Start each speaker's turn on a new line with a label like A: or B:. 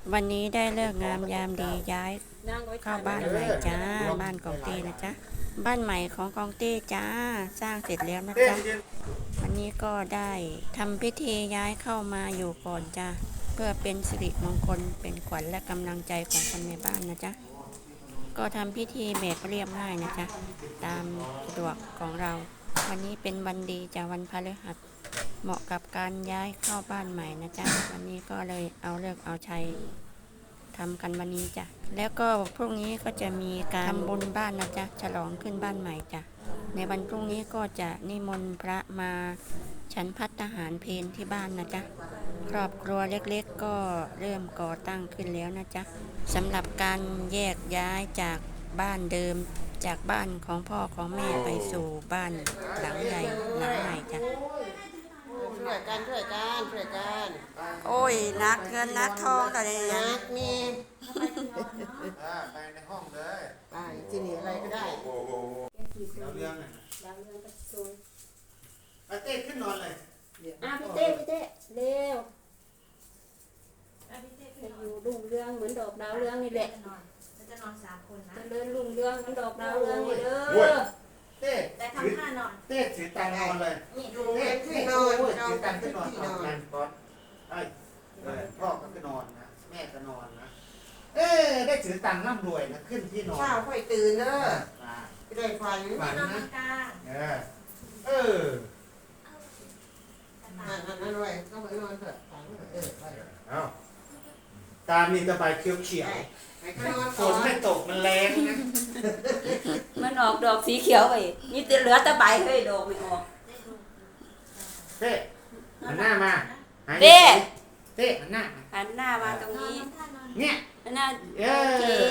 A: วันนี้ได้เลิกงามยามดีย้ายเข้าบ้านใหม่จ้าบ้านกองเต้นะจ๊ะบ้านใหม่ของกองเต้จ้าสร้างเสร็จแล้วนะจ๊ะวันนี้ก็ได้ทำพิธีย้ายเข้ามาอยู่ก่อนจ้าเพื่อเป็นสิริมงคลเป็นขวัญและกำลังใจของคนในบ้านนะจ๊ะก็ทำพิธีแบบเรียบง่ายนะจ๊ะตามสะดวกของเราวันนี้เป็นวันดีจ้าวันพฤหัสเหมาะกับการย้ายเข้าบ้านใหม่นะจ๊ะวันนี้ก็เลยเอาเลิกเอาชัยทำกันวันนี้จ้ะแล้วก็พรุ่งนี้ก็จะมีการทำบุญบ้านนะจ๊ะฉลองขึ้นบ้านใหม่จ้ะในวันพรุ่งนี้ก็จะนิมนต์พระมาฉันภัตตาหารเพลที่บ้านนะจ๊ะครอบครัวเล็กๆก็เริ่มก่อตั้งขึ้นแล้วนะจ๊ะสำหรับการแยกย้ายจากบ้านเดิมจากบ้านของพ่อของแม่ไปสู่บ้านหลังใหญ่หลังใหม่จ้ะ
B: ช่วยกันช่วยกันช่วยกัน
A: โอ้ยนักเงินนักทองแต่เนี่ย
B: นักมี
C: ไปในห้องเลย
B: ไปที่นี่อะไรก็ได้
C: เราเรื่องน่ะไปเต้ขึ้นนอนเลย
D: พี่เต้เร็วจะอยู่รุ่งเรืองเหมือนดอกดาวเรืองนี่แหละ
E: จะนอน3 คนนะ
D: จะเดินรุ่งเรืองเหมือนดอกดาวเรืองนี่เด้อ
C: เต้
E: แต่ทำท่านอน
C: เต้ถือตังนอนเลย
E: นี่
B: อยู่
C: เต้
B: ที่
C: เต้
B: นอน
C: ถือตังขึ้นนอน
B: ที่
C: น
B: น
C: อ
B: อน น
C: กันก่อนไอ้พ่อก็ขึ้นนอนนะแม่ก็นอนนะได้ถือตังร่ำรวยนะขึ้นที่นอน
B: ข้าวค่อยตื่นเด้อ
C: มา
B: จะได้ฝัน
C: ฝัน
E: นอน
C: นะ
E: กลาง
B: นั่นไว้ก็ไปนอนเถอะฝันไป
C: เอาตามีตะไบเขียวเขียว
B: ไปนอน
C: ฝ
B: ก่อน น
C: ไม่ตกมันแรงนะ
D: มันออกดอกสีเขียวไปมีแต่เหลือแต่ใบเฮ้ยดอกไม่ออก
C: เต้หันหน้ามา
D: เต้
C: เต้หันหน้ามา
D: หันหน้ามาตรงนี้
C: เนี่ย
D: หันหน้า
C: เอ
D: โอเค
C: อ